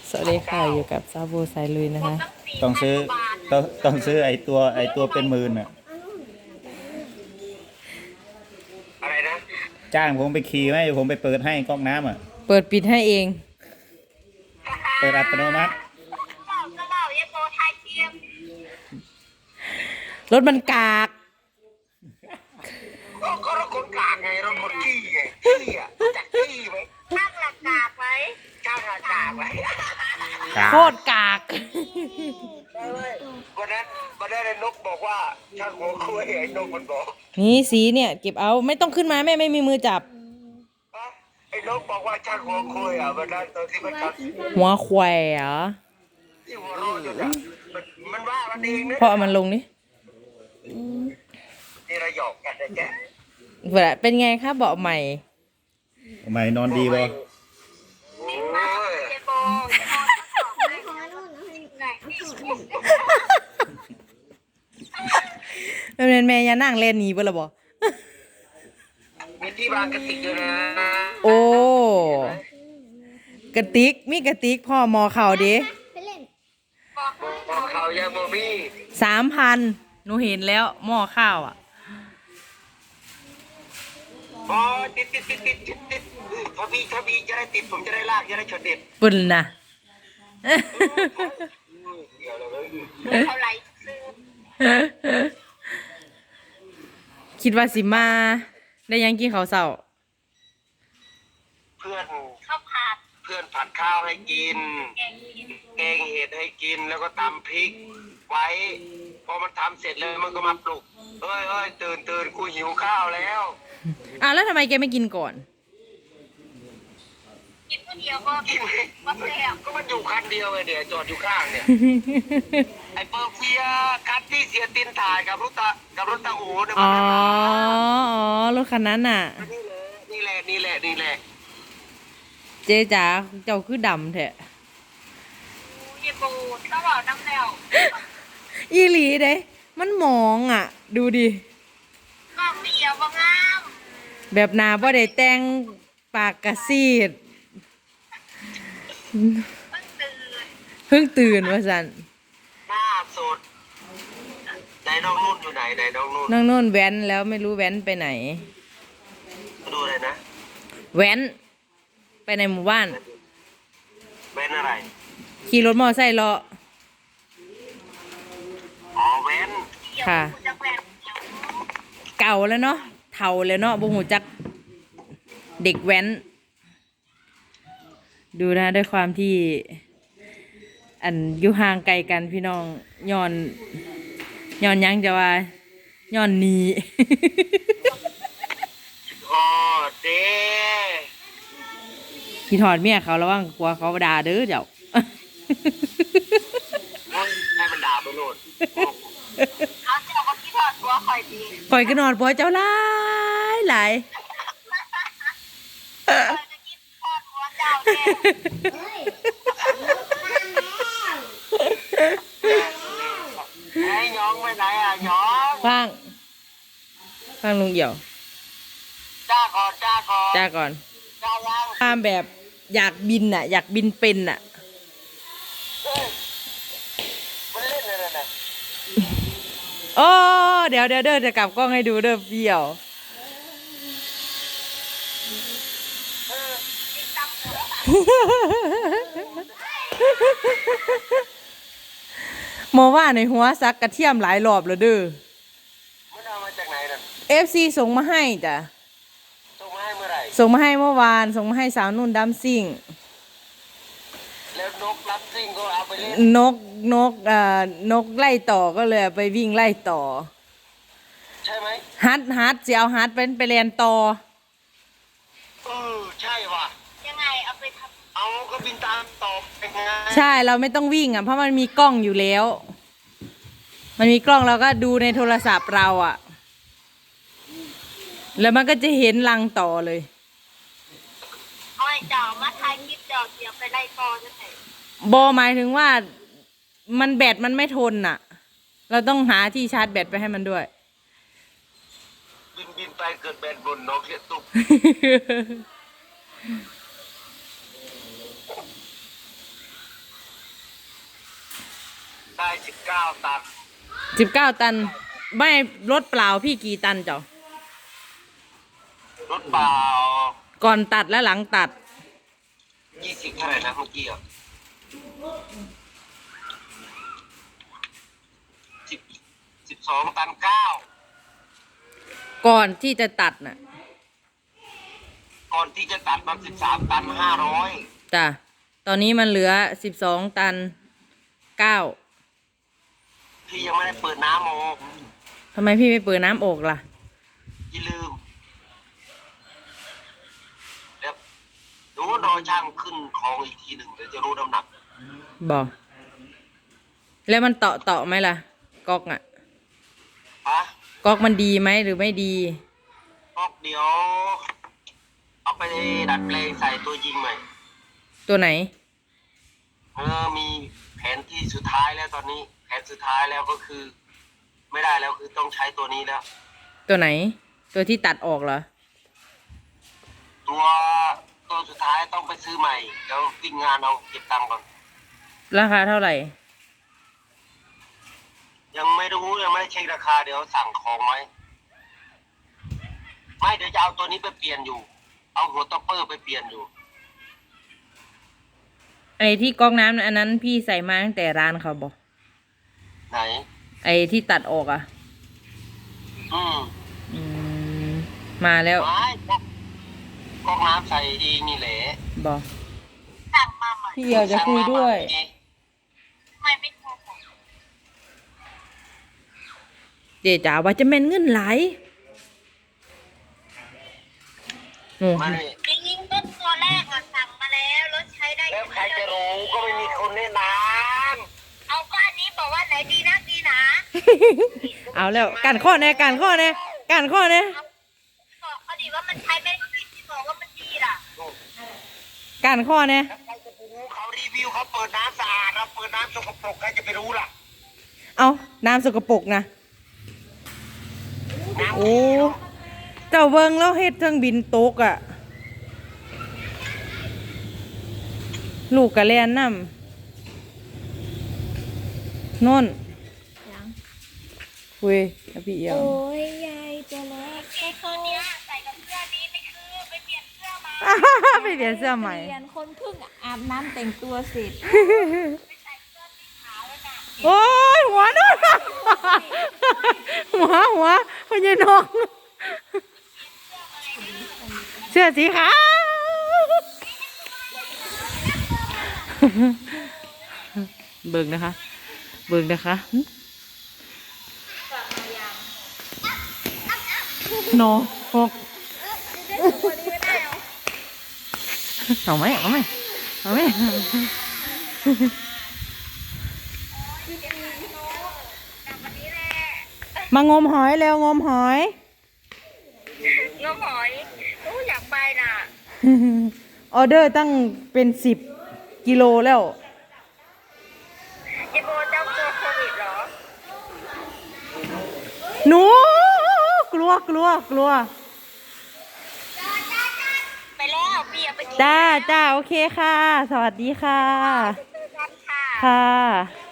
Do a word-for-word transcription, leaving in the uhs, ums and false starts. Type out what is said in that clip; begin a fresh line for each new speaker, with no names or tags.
สวัสดีค่ะอยู่กับซาบูสายลุยนะคะ
ต้องซื้อต้องต้องซื้อไอตัวไอตัวเป็นหมื่นอ่ะ
อะไรนะ
จ้างผมไปขี่ไหมผมไปเปิดให้ก๊อกน้ำอ่ะ
เปิดปิดให้เอง
เปิดอัตโนมัติ
เล่าก็เล่าเยโปไทยเทียม
รถมันกาก
ก็ก็รถคนกลางไงรถคนขี้ไงขี้อ่ะรู้จักขี้ไหมช่างหลักกากไหมช่างหลักกากไหม
โคตรกาก
วันนั้นวันนั้นไอ้นกบอกว่าช่างหัวคุยไอ้นกมันบอก
นี่สีเนี่ยเก็บเอาไม่ต้องขึ้นมาแม่ไม่มีมือจับ
ไอ้นกบอกว่าช่างหัวคุยอ่ะวันนั้นตอนที่มันท
หัวแขวเหรอ
ที่หัวเราะอยู่อ่ะมันมันว่ามันเองนะ
พอเอามันลงนี่
นี่เราหยอกกันนะแก
เป็นไงครับเบาะใหม่
ทำไมนอนดีบ่
เป็นแม่ยานั่งเล่นนี้บ่ละบ่
มีที่บางกระติกอยู่นะ
โอ้กระติกมีกระติกพ่อมอเข่าดิ
มอเข่ายังบ่มี
สามพันหนูเห็นแล้วหม้อข้าวอ่ะ
อ๋อติดติดติดติดติดติดถ้ามีถ้ามีจะได้ติดผมจะได้ลากจะได้ชนเด็ด
ปุ่นนะ
เท่าไร
คิดว่าสิมาได้ยังกินข้าวเช้า
เพื่อนข้าวผัดเพื่อนผัดข้าวให้กินแกงเห็ดให้กินแล้วก็ตำพริกไว้พอมันทำเสร็จแล้วมันก็มาปลุกเฮ้ยเฮ้ยตื่นตื่นกูหิวข้าวแล้ว
อ่ะแล้วทำไมแกไม่กินก่อน
กินคนเดียวก็กินก็แซ่บก็มันอยู่คันเดียวเลยเนี่ยจอดอยู่ข้างเนี่ยไอ้เปอร์เฟียคันที่เสียตินถ่ายกับรถตากับรถตาอูเนี่ย
อ๋ออ๋อรถคันนั้นน่ะ
นี่แหละนี่แหละนี่แหละ
เจ๊จ๋าเจ้าคือดำแท้
ยี่ปูต้องบอกน้ำแล้ว
อีหลีเด้มันมองอ่ะดูดิ
กล้องเดียวบ้างาม
แบบนาบ่ได้แต่งปากกระซีดเพิ่งตื่นว่าสัน
หน้าสดไหนน้องนุ่นอยู่ไหนไหนน้องนุ่น
น้องนุ่นแว้นแล้วไม่รู้แว้นไปไหน
ดูอะไรนะ
แว้นไปในหมู่บ้าน
แว้นอะไร
ขี่รถมอไซค์เลาะ
อ๋อแว้น
ค่ะเก่าแล้วเนาะเฒ่าแล้วเนาะบ่ฮู้จักเด็กแว้นดูนะด้วยความที่อันอยู่ห่างไกลกันพี่น้องย้อนย้อนยังจะว่าย้อนนี้
อ๋อเด้
พี่ถอดเมียเขาระวังกลัวเขาด่าเด้อเจ้า
ให้มันด่าไปโลดเขาเจ้าก็พี่ถอดตัวคอยดี
คอยก็นอนปัวเจ้าหลายหลาย
ไอ้ย้องไปไหนอ่ะย้อง
ฟังฟังลุงเหี่ยว
จ้าก่อนจ้าก่อน
จ้าก่อน
จ้ายัง
ตามแบบอยากบินอ่ะอยากบินเป็นอ่ะ
มันเล่นอะไรนะ
โอ้เดี๋ยวเดี๋ยวเด้อจะกลับกล้องให้ดูเด้อเปี่ยวโมว่าในหัวซักกระเทียมหลายรอบแล้วเด้อ
มันเอามาจากไหนน่ะ
เอฟซีส่งมาให้จ้ะ
ส่งมาให้เมื่อไหร่
ส่งมาให้เมื่อวานส่งมาให้สาวนุ่นดัมซิ่ง
แล้วนกรับซิ่งก็เอาไปเล่น
นกนกเอ่อนกไล่ต่อก็เลยไปวิ่งไล่ต่อ
ใช่ไหม
ฮัทฮัทจะเอาฮัทเป็นไปเรียนต่อ
เออใช่ว่ะยังไงเอาไปทำเอาก็บินตามต่อเป็นไง
ใช่เราไม่ต้องวิ่งอ่ะเพราะมันมีกล้องอยู่แล้วมันมีกล้องเราก็ดูในโทรศัพท์เราอ่ะแล้วมันก็จะเห็นรังต่อเลย
เอาไอ้เจ้ามาถ่ายคลิปเจ้าเสียไปไล่ต่อจะไหน
บอหมายถึงว่ามันแบตมันไม่ทนอ่ะเราต้องหาที่ชาร์จแบตไปให้มันด้วย
บินบินไปเกิดแบตบนนกเสียตุกสิบเก้าตัน
สิบเก้าตันไม่รถเปล่าพี่กี่ตันเจ้าร
ถเปล่า
ก่อนตัดและหลังตัด
ยี่สิบเท่าไหร่นะเมื่อกี้อ่ะสิบสิบสองตันเก้า
ก่อนที่จะตัดน่ะ
ก่อนที่จะตัดมันสิบสามตันห้าร้อย
จ้ะตอนนี้มันเหลือสิบสองตันเก้า
พี่ยังไม่ได้เปิดน้ำออก
ทำไมพี่ไม่เปิดน้ำออกล่ะ
อย่าลืมเดี๋ยวดูรอช่างขึ้นของอีกทีหนึ่งเดี๋ยวจะรู้น้ำหนัก
บอกแล้วมันเตาะเตาะไหมล่ะก๊อกอ่ะ
ฮะ
ก๊อกมันดีไหมหรือไม่ดี
ก็เดี๋ยว เอาไปดัดแปลงใส่ตัวยิงใหม่
ตัวไหน
เออมีแผนที่สุดท้ายแล้วตอนนี้ แผนสุดท้ายแล้วก็คือ ไม่ได้แล้วคือต้องใช้ตัวนี้แล้ว
ตัวไหน ตัวที่ตัดออกเหรอ
ตัวตัวสุดท้ายต้องไปซื้อใหม่เดี๋ยววิ่งงานเอาเก็บตังค์ก่อน
ราคาเท่าไหร่
ยังไม่รู้ยังไม่ได้เช็คราคาเดี๋ยวสั่งของไหมไม่เดี๋ยวจะเอาตัวนี้ไปเปลี่ยนอยู่ เอาหัวต็อปเปอร์ไปเปลี่ยนอยู่
ไอ้ที่ก๊อกน้ำอันนั้นพี่ใส่มาตั้งแต่ร้านเขาบอก
ไหน
ไอ้ที่ตัดออกอ่ะ
อืม
อืมมาแล้ว
ไม่ก๊อกก๊อกน้ำใส่เองนี่แหละ
บอก
สั่งมาใหม่
พี่เดียวจะคุยด้วย
ไม่ไม่ถูก
เจ๊จ๋าว่าจะแม่นเงินไหลายโอ้
มาเลย
จริงๆต้นตัวแรกอะสั่งมาแล้วรถใช้ได้
แล้วใครจะรู้ก็ไม่มีคนแนะน
เอาก็อันนี้บอกว่าไหนดีนะดีนะ
เอาแล้วการข้อแน่การข้อแน่การข้อแน่
บอกเขาดิว่ามันใช้ไม่ได้ที่บอกว่ามันดีล่ะ
การข้อแน่
ำแล้วใครจะไปรู้เขารีวิวเขาเปิดน้ำสะอาดเราเปิดน้ำสกปรกใครจะไปรู้ล่ะ
เอาน้ำสกปรกนะ
น้ำ
โอ้เจ้าเบิงแล้วเฮ็ดเครื่องบินตกอ่ะ ลูกกะแลนน้ำนนคุยกับพี่เอียว
โอ้ยยายตัวเล็ก
ไอ้ตัวเนี้ยใส่กับเสื้อนี้ไม่คือไปเปลี่ยนเสื้อมา
ไปเปลี่ยนเสื้อใหม่
เรียนคนเพิ่งอาบน้ำแต่งตัวเสร็จ
ไปใส่เสื้อสีขาวแล้วน่ะ
โอ้ยหัวนู่นหัวหัวพญานกเสื้อสีขาวเบิ่งนะคะ เบิ่งนะคะโนหกเอาไหมเอาไหมเอาไหมมางมหอยเร็วงมหอย
น้องหอยโอ้อยากไปน่ะ
ออเดอร์ตั้งเป็นสิบกิโลแล้ว
ไอ้โบเจ้ากลัวโควิดเหรอ
หนูกลัวกลัวกลัว
ไปแล้วพี่อย่าไปกิน
จ้าจ้าโอเคค่ะ สวัสดีค่ะ
เจอกันค่ะ
ค่ะ